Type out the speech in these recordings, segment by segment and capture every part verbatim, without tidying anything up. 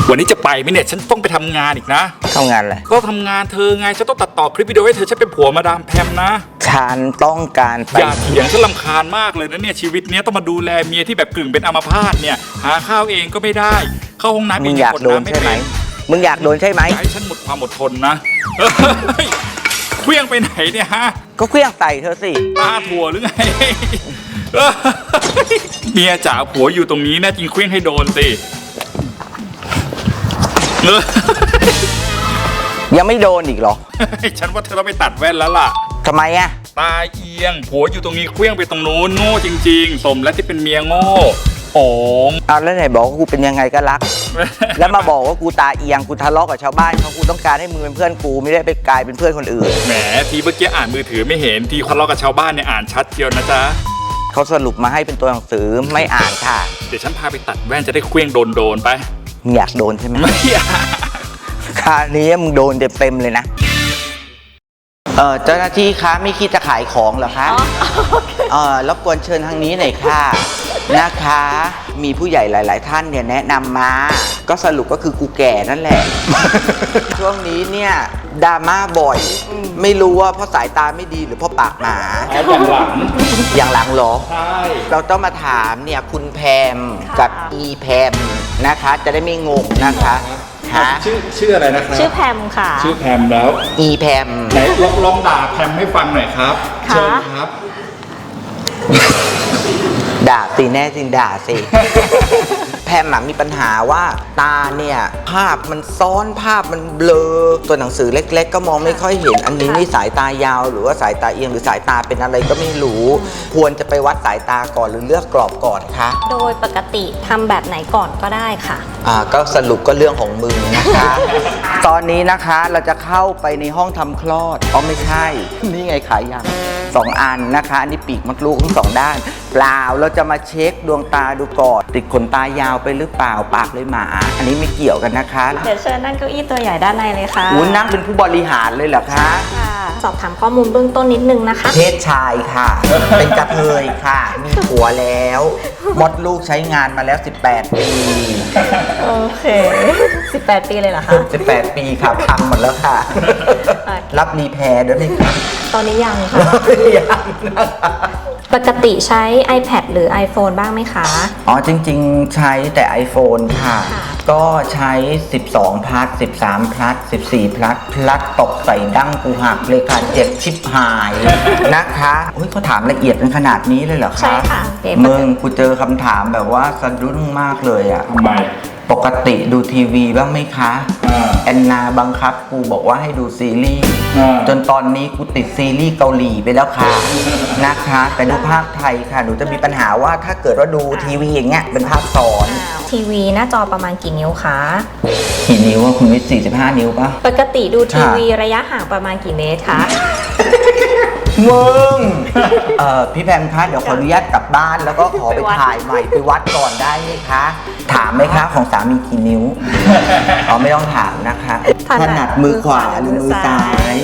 วันนี้จะไปไหมเนี่ยฉันต้องไปทำงานอีกนะทำงานอะไรก็ทำงานเธอไงฉันต้องตัดต่อคลิปวิดีโอให้เธอฉันเป็นผัวมาดามแพมนะฉันต้องการไปอย่าเถียงฉันรำคาญมากเลยนะเนี่ยชีวิตเนี้ยต้องมาดูแลเมียที่แบบกึ่งเป็นอัมพาตเนี่ยหาข้าวเองก็ไม่ได้เข้าห้องน้ำเองมึงอยากโดนใช่ไหมมึงอยากโดนใช่ไหมให้ฉันหมดความอดทนนะเคลี้ยงไปไหนเนี่ยฮะก็เคลี้ยงใส่เธอสิตาถั่วหรือไงเมียจ๋าผัวอยู่ตรงนี้นะจริงเคลี้ยงให้โดนสิยังไม่โดนอีกเหรอฉันว่าเธอต้องไปตัดแว่นแล้วล่ะทำไมอะตาเอียงผัวอยู่ตรงนี้เคลี้ยงไปตรงนู้นโง่จริงๆสมแล้วที่เป็นเมียโง่โอ๋อ้าวแล้วไหนบอกว่ากูเป็นยังไงก็รัก แล้วมาบอกว่ากูตาเอียงกูทะเลาะกับชาวบ้านเขากูต้องการให้มึงเป็นเพื่อนกูไม่ได้ไปกลายเป็นเพื่อนคนอื่นแหมทีเมื่อกี้อ่านมือถือไม่เห็นทีทะเลาะกับชาวบ้านเนี่ยอ่านชัดเจียวนะจ๊ะเขาสรุปมาให้เป็นตัวหนังสือไม่อ่านค่ะเดี๋ยวฉันพาไปตัดแว่นจะได้เคลี้ยงโดนโดนไปอยากโดนใช่ไหมไม่อยากคราวนี้มึงโดนเต็มๆเลยนะเออเจ้าหน้าที่คะไม่คิดจะขายของเหรอคะเออรบกวนเชิญทางนี้หน่อยค่ะนะคะมีผู้ใหญ่หลายๆท่านเนี่ยแนะนำมาก็สรุปก็คือกูแก่นั่นแหละ ช่วงนี้เนี่ยดราม่าบ่อยไม่รู้ว่าเพราะสายตาไม่ดีหรือเพราะปากหมาอย่างหลังอย่างหลังเหรอใช่เราต้องมาถามเนี่ยคุณแพมกับอีแพมนะคะจะได้ไม่งงนะคะชื่อชื่ออะไรนะครับชื่อแพมค่ะชื่อแพมแล้วอีแพมไหนลองลองด่าแพมให้ฟังหน่อยครับเชิญครับด่าสิแน่จริงด่าสิแพมมีปัญหาว่าตาเนี่ยภาพมันซ้อนภาพมันเบลอตัวหนังสือเล็กๆก็มองไม่ค่อยเห็นอันนี้นี่สายตายาวหรือว่าสายตาเอียงหรือสายตาเป็นอะไรก็ไม่รู้ควรจะไปวัดสายตาก่อนหรือเลือกกรอบก่อนคะโดยปกติทำแบบไหนก่อนก็ได้ค่ะอ่าก็สรุปก็เรื่องของมึงนะคะ ตอนนี้นะคะเราจะเข้าไปในห้องทำคลอดอ๋อไม่ใช่นี่ไงขายยังสองอันนะคะอันนี้ปีกมดลูกทั้งสองด้านเปล่าเราจะมาเช็คดวงตาดูก่อนติดขนตายาวไปหรือเปล่าปากเลยหมาอันนี้ไม่เกี่ยวกันนะคะเดี๋ยวเชิญนั่งเก้าอี้ตัวใหญ่ด้านในเลยค่ะอู้นั่งเป็นผู้บริหารเลยเหรอคะค่ะสอบถามข้อมูลเบื้องต้นนิดนึงนะคะเพศชายค่ะเป็นกระเทยค่ะมีผัวแล้วมดลูกใช้งานมาแล้วสิบแปดปีโอเคสิบแปดปีเลยเหรอคะสิบแปดปีค่ะพังหมดแล้วค่ะรับรีแพร์ด้วยไหมคะตอนนี้ยังค่ะยังปกติใช้ iPad หรือ iPhone บ้างไหมคะอ๋อจริงๆใช้แต่ iPhone ค่ะก็ใช้สิบสอง plus สิบสาม plus สิบสี่ plus plus ตกใส่ดั้งกูหักเลยค่ะเจ็บชิบหายนะคะเฮ้ยเขาถามละเอียดเป็นขนาดนี้เลยเหรอคะใช่ค่ะมึงกูเจอคำถามแบบว่าสะดุ้งมากเลยอ่ะทำไมปกติดูทีวีบ้างไหมคะแอนนาบังคับกูบอกว่าให้ดูซีรีส์จนตอนนี้กูติดซีรีส์เกาหลีไปแล้วค่ะนะคะแต่ดูภาพไทยค่ะหนูจะมีปัญหาว่าถ้าเกิดว่าดูทีวีอย่างเงี้ยเป็นภาพซ้อนทีวีหน้าจอประมาณกี่นิ้วคะกี่นิ้วว่าคุณวิทย์สี่สิบห้านิ้วปะปกติดูทีวีระยะห่างประมาณกี่เมตรคะมึงเอ่อพี่แพมคะเดี๋ยวขออนุญาตกลับบ้านแล้วก็ขอไปถ่ายใหม่ไปวัดก่อนได้ไหมคะถามไหมคะของสามีกี่นิ้วอ๋อไม่ต้องถามนะคะถนัดมือขวาหรือมือซ้าย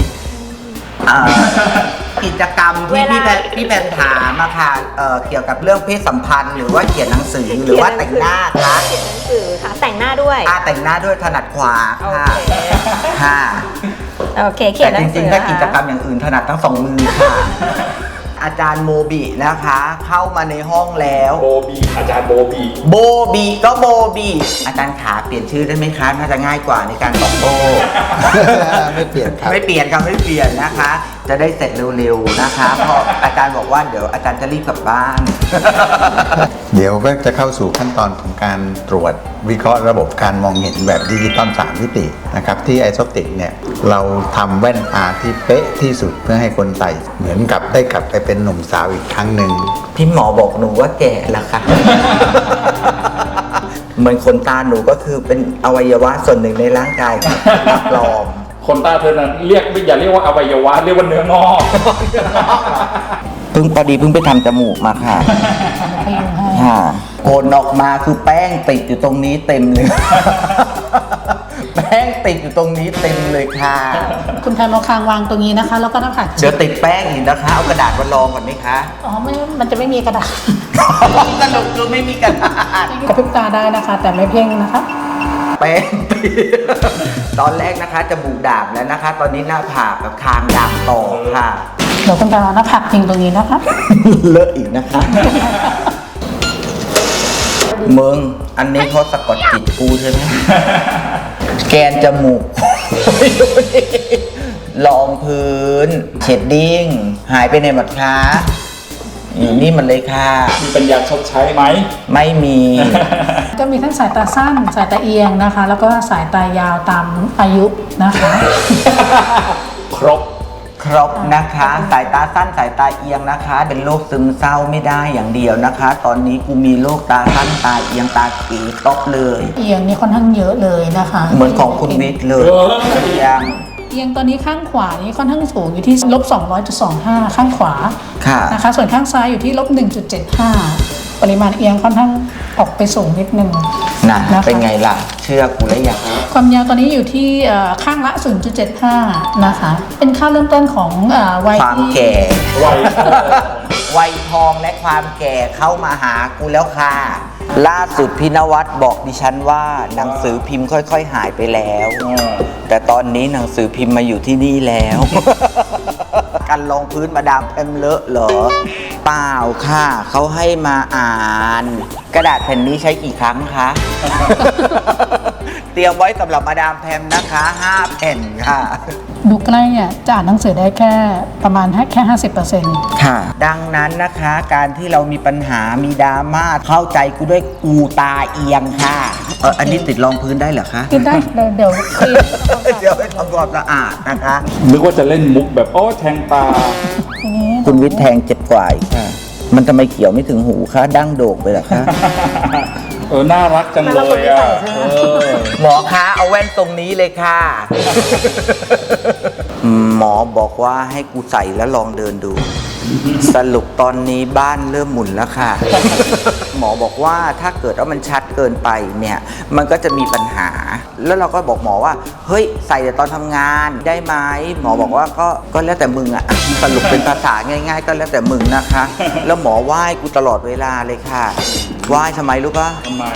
กิจกรรมที่พี่แพมพี่แพมถามมาค่ะเกี่ยวกับเรื่องเพศสัมพันธ์หรือว่าเขียนหนังสือหรือว่าแต่งหน้าคะเขียนหนังสือค่ะแต่งหน้าด้วยอ่าแต่งหน้าด้วยถนัดขวาค่ะค่ะโอเคเขียนหนังสือแต่จริงๆถ้ากิจกรรมอย่างอื่นถนัดทั้งสองมือค่ะอาจารย์โมบินะคะเข้ามาในห้องแล้วโบบีอาจารย์โบบีโบบีก็โบบีอาจารย์ขาเปลี่ยนชื่อได้ไหมคะน่าจะง่ายกว่าในการตอบโต้ไม่เปลี่ยนครับไม่เปลี่ยนครับไม่เปลี่ยนนะคะจะได้เสร็จเร็วๆนะคะเพราะอาจารย์บอกว่าเดี๋ยวอาจารย์จะรีบกลับบ้านเดี๋ยวก็จะเข้าสู่ขั้นตอนของการตรวจวิเคราะห์ระบบการมองเห็นแบบดิจิตอลสามมิตินะครับที่ไอโซติกเนี่ยเราทำแว่นตาที่เป๊ะที่สุดเพื่อให้คนใส่เหมือนกับได้กลับไปเป็นหนุ่มสาวอีกครั้งหนึ่งพี่หมอบอกหนูว่าแก่แล้วค่ะเหมือนขนตาหนูก็คือเป็นอวัยวะส่วนหนึ่งในร่างกายปลอมขนตาเธอนั้นเรียกอย่าเรียกว่าอวัยวะเรียกว่าเนื้องอกเพิ่งพอดีเพิ่งไปทำจมูกมาค่ะค่ะโผล่ออกมาคือแป้งติดอยู่ตรงนี้เต็มเลยแป้งติดอยู่ตรงนี้เต็มเลยค่ะคุณแพมเอาคางวางตรงนี้นะคะแล้วก็หน้าผากเดี๋ยวติดแป้งอีกนะคะเอากระดาษมารองก่อนไหมคะอ๋อไม่มันจะไม่มีกระดาษสนุกคือไม่มีกระดาษกระพริบตาได้นะคะแต่ไม่เพ่งนะคะแป้ง ตอนแรกนะคะจมูกด่างแล้วนะคะ ตอนนี้หน้าผากกับคางด่างต่อค่ะเดี๋ยวคุณแพรเอาหน้าผักจริงตรงนี้นะคะเลอะอีกนะคะ มึง อันนี้เขาสะกดจิตกูใช่ไหม แกนจมูก รองพื้น เชดดิ้ง หายไปในหมดคะอยู่นี่มันเลยค่ะมีปัญญาชดใช้ไหมไม่มีก็มีทั้งสายตาสั้น สายตาเอียงนะคะ แล้วก็สายตายาวตามอายุนะคะครบครบนะคะ สายตาสั้นสายตาเอียงนะคะ เป็นโรคซึมเศร้าไม่ได้อย่างเดียวนะคะ ตอนนี้กูมีโรคตาสั้นตาเอียงตาเขยครบเลยเอียงนี่ค่อนข้างเยอะเลยนะคะเหมือนของคุณวิทย์เลยเออเอียงเอียงตอนนี้ข้างขวานี่ค่อนข้างสูงอยู่ที่ลบสองร้อยจุดสองห้าข้างขวาค่ะนะคะ ส่วนข้างซ้ายอยู่ที่ลบหนึ่งจุดเจ็ดห้าปริมาณเอียงค่อนข้างออกไปสูงนิดนึงน่ะนะคะเป็นไงล่ะ เชื่อกูแล้วยังความยาวตอนนี้อยู่ที่เอ่อข้างละ ศูนย์จุดเจ็ดห้า นะคะ เป็นค่าเริ่มต้นของเอ่อวัยความที่แก่ไววัยทองและความแก่เข้ามาหากูแล้วค่ะ ล่าสุดพี่นวัดบอกดิฉันว่าหนังสือพิมพ์ค่อยๆหายไปแล้ว แต่ตอนนี้หนังสือพิมพ์มาอยู่ที่นี่แล้ว การลงพื้นมาดามแพมเลอะเหรอ เปล่าค่ะ เขาให้มาอ่าน กระดาษแผ่นนี้ใช้กี่ครั้งคะ เตรียมไว้สำหรับมาดามแพมนะคะห้าแผ่นค่ะดูใกล้เนี่ยจะอ่านหนังสือได้แค่ประมาณแค่ห้าสิบเปอร์เซ็นต์ค่ะ ดังนั้นนะคะการที่เรามีปัญหามีดราม่าเข้าใจกูด้วยกูตาเอียงค่ะ เอออันนี้ติดรองพื้นได้เหรอคะกินได้เดี๋ยวเดี๋ยวคลีนเดี๋ยวให้ทำความสะอาดนะคะนึกว่าจะเล่นมุกแบบโอ้แทงตาทีนี้คุณวิทย์แทงเจ็บกว่าอีกค่ะ มันทำไมเขียวไม่ถึงหูคะดั้งโด่งไปเหรอคะเออ น่ารักจังเลยอ่ะเออหมอคะเอาแว่นตรงนี้เลยค่ะ หมอบอกว่าให้กูใส่แล้วลองเดินดู สรุปตอนนี้บ้านเริ่มหมุนแล้วค่ะ หมอบอกว่าถ้าเกิดว่ามันชัดเกินไปเนี่ย มันก็จะมีปัญหา แล้วเราก็บอกหมอว่า เฮ้ยใส่แต่ตอนทำงานได้ไหมหมอบอกว่าก็ก็แล้วแต่มึงอะสรุปเป็นภาษาง่าย ๆ ก็แล้วแต่มึงนะคะ แล้วหมอไหว้กูตลอดเวลาเลยค่ะไหว้ทำไมรู้ปะทำไม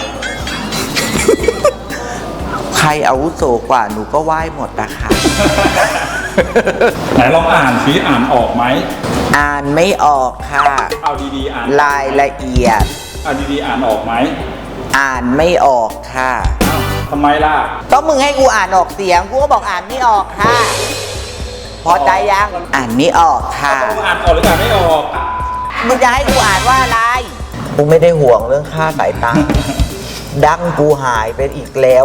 ใครอาวุโสกว่าหนูก็ไหว้หมดนะคะไหนลองอ่านสิอ่านออกไหมอ่านไม่ออกค่ะเอาดีๆอ่านรายละเอียดเอาดีๆอ่านออกไหมอ่านไม่ออกค่ะอ้าวทำไมล่ะก็มึงให้กูอ่านออกเสียงกูก็บอกอ่านไม่ออกค่ะ พอใจยังอ่านไม่ออกค่ะต้องอ่านออกหรืออ่านไม่ออกมึงจะให้กูอ่านว่าอะไรกูไม่ได้ห่วงเรื่องค่าสายตา ดั้งกูหายไปอีกแล้ว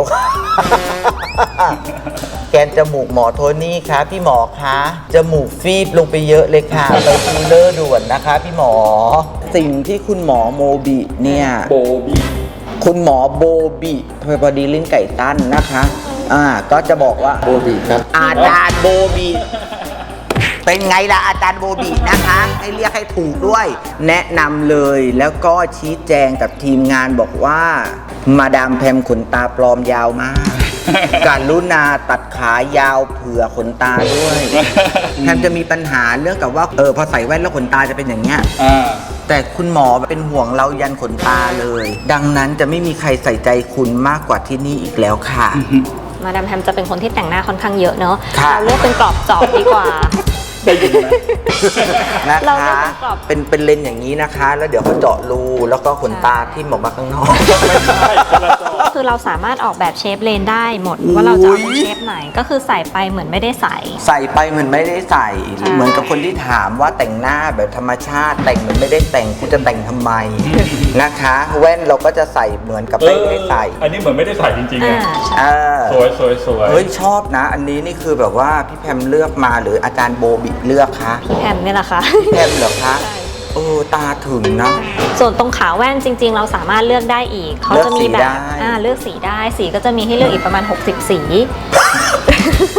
แกนจมูกหมอโทนี่คะพี่หมอคะจมูกฟีบลงไปเยอะเลยค่ะ ไปฟิลเลอร์ด่วนนะคะพี่หมอ สิ่งที่คุณหมอโมบิเนี่ยโบบี้คุณหมอโบบิพอดีลิ้นไก่ตั้นนะคะ อ่า ก็จะบอกว่าโบบิครับ อาจารย์โบบิเป็นไงล่ะอาจารย์โบบินะคะ ให้เรียกให้ถูกด้วย แนะนำเลยแล้วก็ชี้แจงกับทีมงานบอกว่า มาดามแพมขนตาปลอมยาวมาก การุณาตัดขายาวเผื่อขนตาด้วยแพมจะมีปัญหาเรื่องกับว่าเออพอใส่แว่นแล้วขนตาจะเป็นอย่างเงี้ยอ่าแต่คุณหมอเป็นห่วงเรายันขนตาเลย ดังนั้นจะไม่มีใครใส่ใจคุณมากกว่าที่นี่อีกแล้วค่ะมาดามแพมจะเป็นคนที่แต่งหน้าค่อนข้างเยอะเนอะค่ะเราเลือกเป็นกรอบจอบดีกว่าได้ยินไหมนะเราคะเลือกเป็นกรอบเป็นเป็นเลนส์อย่างนี้นะคะ แล้วเดี๋ยวเขาเจาะรูแล้วก็ขนตาที่หมออกมาข้างนอกไม่ใช่คนละจอคือเราสามารถออกแบบเชฟเลนได้หมดว่าเราจะเอาเป็นเชฟไหนก็คือใส่ไปเหมือนไม่ได้ใส่ใส่ไปเหมือนไม่ได้ใส่ใช่เหมือนกับคนที่ถามว่าแต่งหน้าแบบธรรมชาติ แต่งเหมือนไม่ได้แต่งกูจะแต่งทำไม นะคะ แว่นเราก็จะใส่เหมือนกับไม่ได้ใส่อันนี้เหมือนไม่ได้ใส่จริงๆอ่าอะใช่เออสวยสวยสวยเฮ้ยชอบนะ อันนี้นี่คือแบบว่าพี่แพมเลือกมาหรืออาจารย์โบบิเลือกคะพี่แพมนี่แหละค่ะแพมเหรอคะใช่เออตาถึงนะส่วนตรงขาแว่นจริง ๆ เราสามารถเลือกได้อีก เขาจะมีแบเลือกสีบได้อ่าเลือกสีได้ สีก็จะมีให้เลือกอีกประมาณหกสิบสี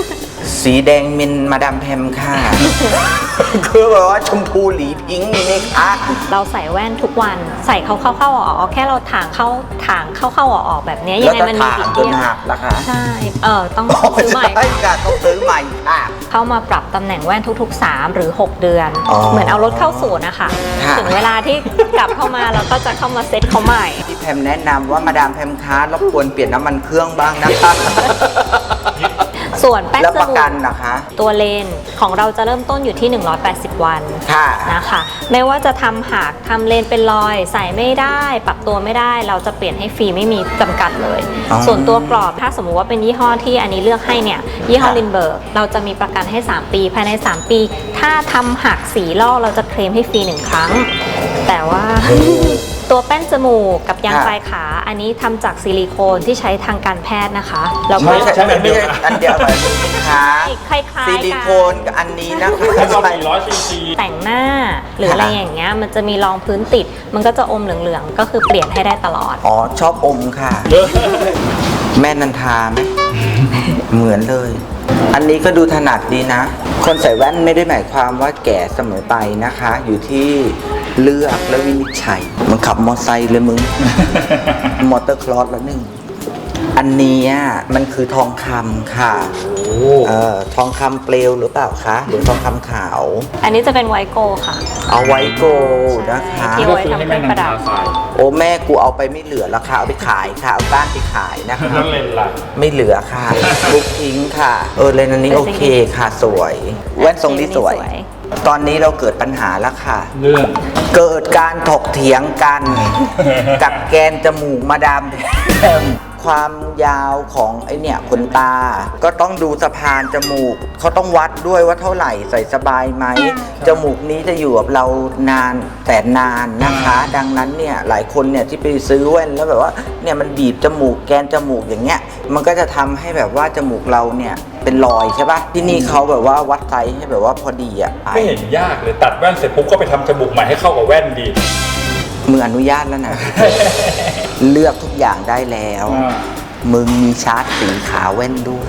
สีแดงมินมาดามแพมค่ะ คือแบบว่าชมพูหลีพิงค์มีไหมคะเราใส่แว่นทุกวันใส่เข้าเข้าเข้าออกออกแค่เราถางเข้าถางเข้าเข้าออกออกแบบเนี้ยยังไงมันมีแล้วจะถางผิดจนเพี้ยนหักล่ะคะใช่เออต้องซื้อใหม่ใช่ค่ะต้องซื้อใหม่ค่ะเข้ามาปรับตำแหน่งแว่นทุกๆ สาม หรือ หก เดือนอ๋อเหมือนเอารถเข้าศูนย์นะคะค่ะถึงเวลาที่กลับเข้ามาเราก็จะเข้ามาเซ็ตเขาใหม่พี่แพมแนะนำว่ามาดามแพมคะรบกวนเปลี่ยนน้ำมันเครื่องบ้างนะคะส่วนแป้งแล้วจประมูกันกนะคะตัวเลนของเราจะเริ่มต้นอยู่ที่ หนึ่งร้อยแปดสิบ วันค่ะนะคะ ไม่ว่าจะทำหักทำเลนเป็นรอย ใส่ไม่ได้ ปรับตัวไม่ได้ เราจะเปลี่ยนให้ฟรีไม่มีจำกัดเลยอ๋อส่วนตัวกรอบถ้าสมมุติว่าเป็นยี่ห้อที่อันนี้เลือกให้เนี่ยยี่ห้อค่ะลินเบิร์กเราจะมีประกันให้ สาม ปี ภายใน สาม ปี ถ้าทำหักสีลอกเราจะเคลมให้ฟรีหนึ่งครั้ง แต่ว่า ตัวแป้นจมูกกับยางค่ะปลายขา อันนี้ทำจากซิลิโคนที่ใช้ทางการแพทย์นะคะแล้วก็ไม่ใช่ใช่อัไม่นเดียวใช่กันอันเดียวกันนะคะคล้ายๆซิกันลิโคนกับอันนี้นะคะให้เราสี่ร้อยซีซีแต่งหน้าหรืออะไรอย่างเงี้ยมันจะมีรองพื้นติด มันก็จะอมเหลืองๆ ก็คือเปลี่ยนให้ได้ตลอดอ๋อชอบอมค่ะ แม่นันทาไหม เหมือนเลย อันนี้ก็ดูถนัดดีนะ คนใส่แว่นไม่ได้หมายความว่าแก่เสมอไปนะคะ อยู่ที่เลือกและวินิจฉัยมันขับมอเตอร์ไซค์เลยมึง มอเตอร์คลอสละหนึ่ง อันเนี้ยมันคือทองคำค่ะเอ่อทองคำเปลวหรือเปล่าคะ หรือทองคำขาวอันนี้จะเป็นไวโกค่ะเอาไว้โกนะคะที่ก็ไว้ซื้อทำให้เคแม่รื่องนัประดับนทาใส่โอ้แม่กูเอาไปไม่เหลือแล้วค่ะ เอาไปขายค่ะ เอาบ้านไปขายนะคะนั่นเลนล่ะไม่เหลือค่ะ บุกทิ้งค่ะ เออเลนส์อันนี้โอเคค่ะสวย แว่นทรงนี้สวย ตอนนี้เราเกิดปัญหาแล้วค่ะเรื่องเกิดการถกเถียงกัน กับแกนจมูกมาดามแพมความยาวของไอเนี่ยขนตา ก็ต้องดูสะพานจมูก เขาต้องวัดด้วยว่าเท่าไหร่ใส่สบายไหม จมูกนี้จะอยู่กับเรานานแสนนานนะคะ ดังนั้นเนี่ยหลายคนเนี่ยที่ไปซื้อแว่นแล้วแบบว่าเนี่ยมันบีบจมูกแกนจมูกอย่างเงี้ย มันก็จะทำให้แบบว่าจมูกเราเนี่ยเป็นรอยใช่ปะที่นี่เขาแบบว่าวัดไซส์ให้แบบว่าพอดีอ่ะไม่เห็นยากเลยตัดแว่นเสร็จปุ๊บก็ไปทำจมูกใหม่ให้เข้ากับแว่นดีมืออนุญาตแล้วนะ เลือกทุกอย่างได้แล้วอ่ามึงมีชาร์จสีขาวแว่นด้วย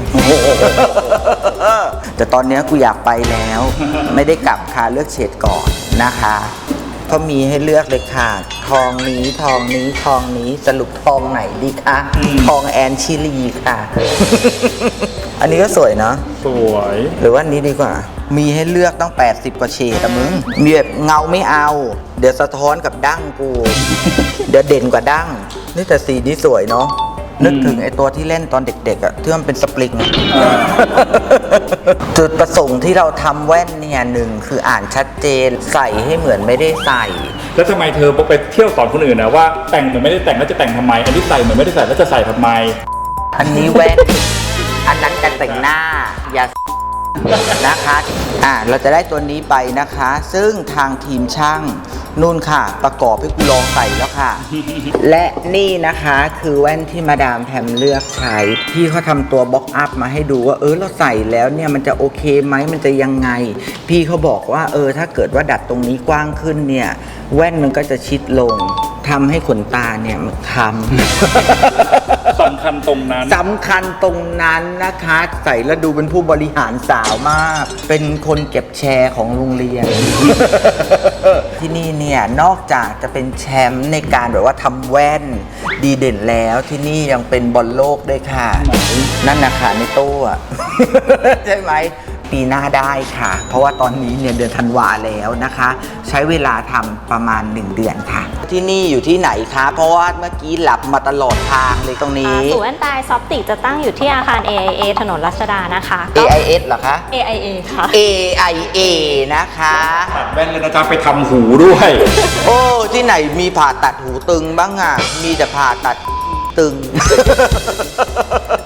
แต่ตอนเนี้ยกูอยากไปแล้ว ไม่ได้กลับค่ะเลือกเฉดก่อนนะคะก็มีให้เลือกเลยค่ะ ทองนี้ทองนี้ทองนี้สรุปทองไหนดีคะทองแอนชิลีค่ะ อันนี้ก็สวยเนาะสวยหรือว่าอันนี้ดีกว่า มีให้เลือกตั้งแปดสิบกว่าเฉดอะมึง มีแบบเงาไม่เอา เดี๋ยวสะท้อนกับดั้งกู เดี๋ยวเด่นกว่าดั้ง นี่แต่สีนี้สวยเนาะ นึกถึงไอตัวที่เล่นตอนเด็กๆอะที่มันเป็นสปริงอะ จุดประสงค์ที่เราทำแว่นเนี่ยหนึ่งคืออ่านชัดเจน ใส่ให้เหมือนไม่ได้ใส่แล้วทำไมเธอไปเที่ยวสอนคนอื่นนะว่าแต่งเหมือนไม่ได้แต่งแล้วจะแต่งทำไม อันนี้ใส่เหมือนไม่ได้ใส่แล้วจะใส่ทำไมอันนี้แว่น อันนั้นการแต่งหน้า อย่า นะคะ อ่า เราจะได้ตัวนี้ไปนะคะ ซึ่งทางทีมช่างนู่นค่ะ ประกอบให้กูลองใส่แล้วค่ะ และนี่นะคะคือแว่นที่มาดามแพมเลือกใช้ พี่เขาทำตัวบล็อกอัพมาให้ดูว่าเออเราใส่แล้วเนี่ยมันจะโอเคไหมมันจะยังไง พี่เขาบอกว่าเออถ้าเกิดว่าดัดตรงนี้กว้างขึ้นเนี่ย แว่นมันก็จะชิดลงทำให้ขนตาเนี่ยมันคล้ำสำคัญตรงนั้นสำคัญตรงนั้นนะคะ ใส่แล้วดูเป็นผู้บริหารสาวมาก เป็นคนเก็บแชร์ของโรงเรียน ที่นี่เนี่ยนอกจากจะเป็นแชมป์ในการแบบว่าทำแว่นดีเด่นแล้วที่นี่ยังเป็นบอลโลกด้วยค่ะ นั่นนะคะในตู้อะ ใช่ไหม ปีหน้าได้ค่ะ เพราะว่าตอนนี้เนี่ยเดือนธันวาแล้วนะคะ ใช้เวลาทำประมาณหนึ่งเดือนค่ะ ที่นี่อยู่ที่ไหนคะ เพราะว่าเมื่อกี้หลับมาตลอดทางเลยตรงนี้ศูนย์แว่นตาซอฟติกจะตั้งอยู่ที่อาคาร เอ ไอ เอ ถนนรัชดานะคะเอ ไอ เอส เหรอคะเอ ไอ เอ ค่ะเอ ไอ เอ นะคะตัดแว่นเลยนะจ๊ะไปทำหูด้วยโอ้ ที่ไหนมีผ่าตัดหูตึงบ้างอ่ะ มีแต่ผ่าตัดตึง